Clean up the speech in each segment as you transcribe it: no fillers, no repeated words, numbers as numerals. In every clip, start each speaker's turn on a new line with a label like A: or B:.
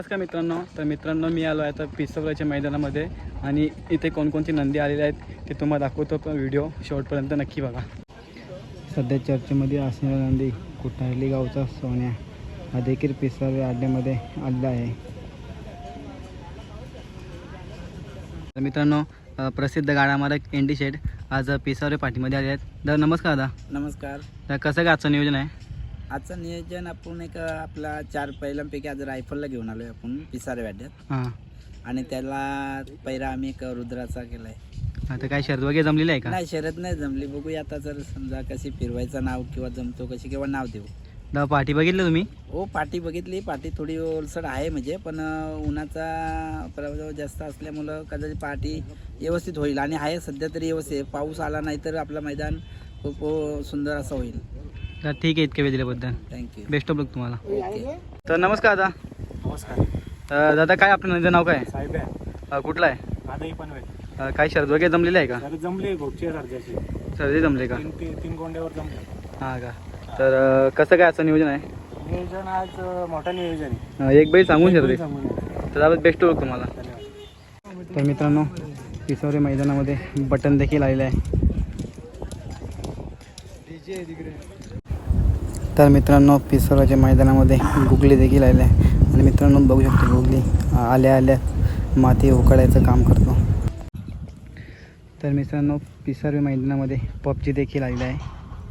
A: नमस्कार मित्रांनो, मी आलो आहे आता पिसवल्याच्या मैदानामध्ये आणि इथे कोणकोणती नंदी आलेले आहेत ते तुम्हाला दाखवतो, पण व्हिडिओ शेवटपर्यंत नक्की बघा। सध्या चर्चेमध्ये असणारा नंदी कुटारली गावचा सोन्या हा देखील पिसवल्या अड्ड्यामध्ये आलेला आहे। तर मित्रांनो, प्रसिद्ध गाडा मालक एनडी शेठ आज पिसावरे पाठीमध्ये आले आहेत। तर नमस्कार दादा।
B: नमस्कार।
A: तर कसं काय आजचं नियोजन आहे?
B: आजचं नियोजन आपण एक आपला 4 पहिल्यांपैकी आज रायफलला घेऊन आलोय आपण पिसारे वाड्यात।
A: हां,
B: आणि त्याला पहिला आम्ही एक रुद्राचा केलाय।
A: आता काय शर्यत वगैरे जमलेली आहे का?
B: नाही, शर्यत नाही जमली, बघूया आता जर समजा कशी फिरवायचं नाव किंवा जमतो कशी किंवा नाव देऊ।
A: दादा पाठी बघितलं तुम्ही?
B: हो, पाठी बघितली। पाठी थोडी ओलसड आहे म्हणजे, पण उन्हाचा प्रभाव जास्त असल्यामुळं कदाचित पाठी व्यवस्थित होईल आणि आहे सध्या तरी व्यवस्थित। पाऊस आला नाही तर आपलं मैदान खूप सुंदर असं होईल।
A: तर ठीक आहे, इतके वेळ दिल्याबद्दल
B: थँक्यू।
A: बेस्ट ऑफ लक तुम्हाला।
B: ओके।
A: तर नमस्कार दादा।
C: नमस्कार।
A: दादा काय आपलं नंदीचं नाव काय
C: साहेब आहे
A: कुठलं आहे?
C: आजही पनवेल
A: काय शर्यत वगैरे जमलेली आहे का?
C: तर जमली घोटची सर्जाची
A: सर्दी जमले का?
C: तीन गोंड्यावर जमले।
A: हां का? तर कसं काय आजचं नियोजन आहे?
C: नियोजन आज मोठं नियोजन आहे।
A: एक बैल सांगून शर्दी,
C: सांगून आहे।
A: तर आपण बेस्ट ऑफ लक तुम्हाला।
C: धन्यवाद।
A: तर मित्रांनो, पिसवरे मैदानामध्ये बटन देखील आलेलं आहे। तर मित्रांनो, पिसवराच्या मैदानामध्ये गुगली देखील आले आहे आणि मित्रांनो बघू शकतो गुगली आल्या आल्या माती उकळायचं काम करतो। तर मित्रांनो, पिसवरे मैदानामध्ये पबजी देखील आलेला आहे।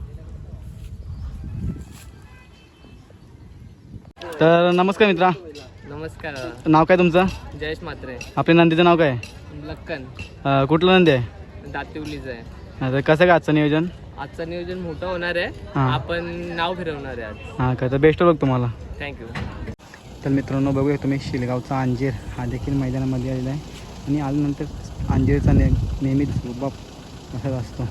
A: तर नमस्कार मित्रा।
D: नमस्कार,
A: नाव काय तुमचं?
D: जयेश म्हात्रे,
A: आपल्या नंदीचं नाव काय?
D: लक्कन,
A: कुठलं नंदी आहे?
D: दातिवलीच आहे।
A: तर कसं काय आजचं नियोजन?
D: आजचं नियोजन मोठं होणार आहे।
A: हां.
D: आपण नाव फिरवणार आहे आज।
A: हां का? तर बेस्ट ऑफ लक तुम्हाला।
D: थँक्यू।
A: तर मित्रांनो बघूया तुम्ही, शिलगावचा अंजीर हा देखील मैदानामध्ये आलेला आहे आणि आल्यानंतर अंजीरचा नेहमीच बाप असाच असतो।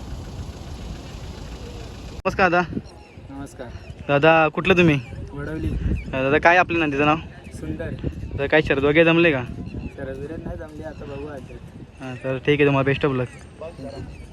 A: नमस्कार दादा।
B: नमस्कार।
A: दादा कुठलं तुम्ही?
B: वडवली।
A: दादा काय आपलं नंदीचं नाव?
B: सुंदर।
A: तर काय शर्यत वगैरे जमले का?
B: शर्यत नाही जमली, आता बघू आज।
A: हां, तर ठीक आहे, तुम्हाला बेस्ट ऑफ लक।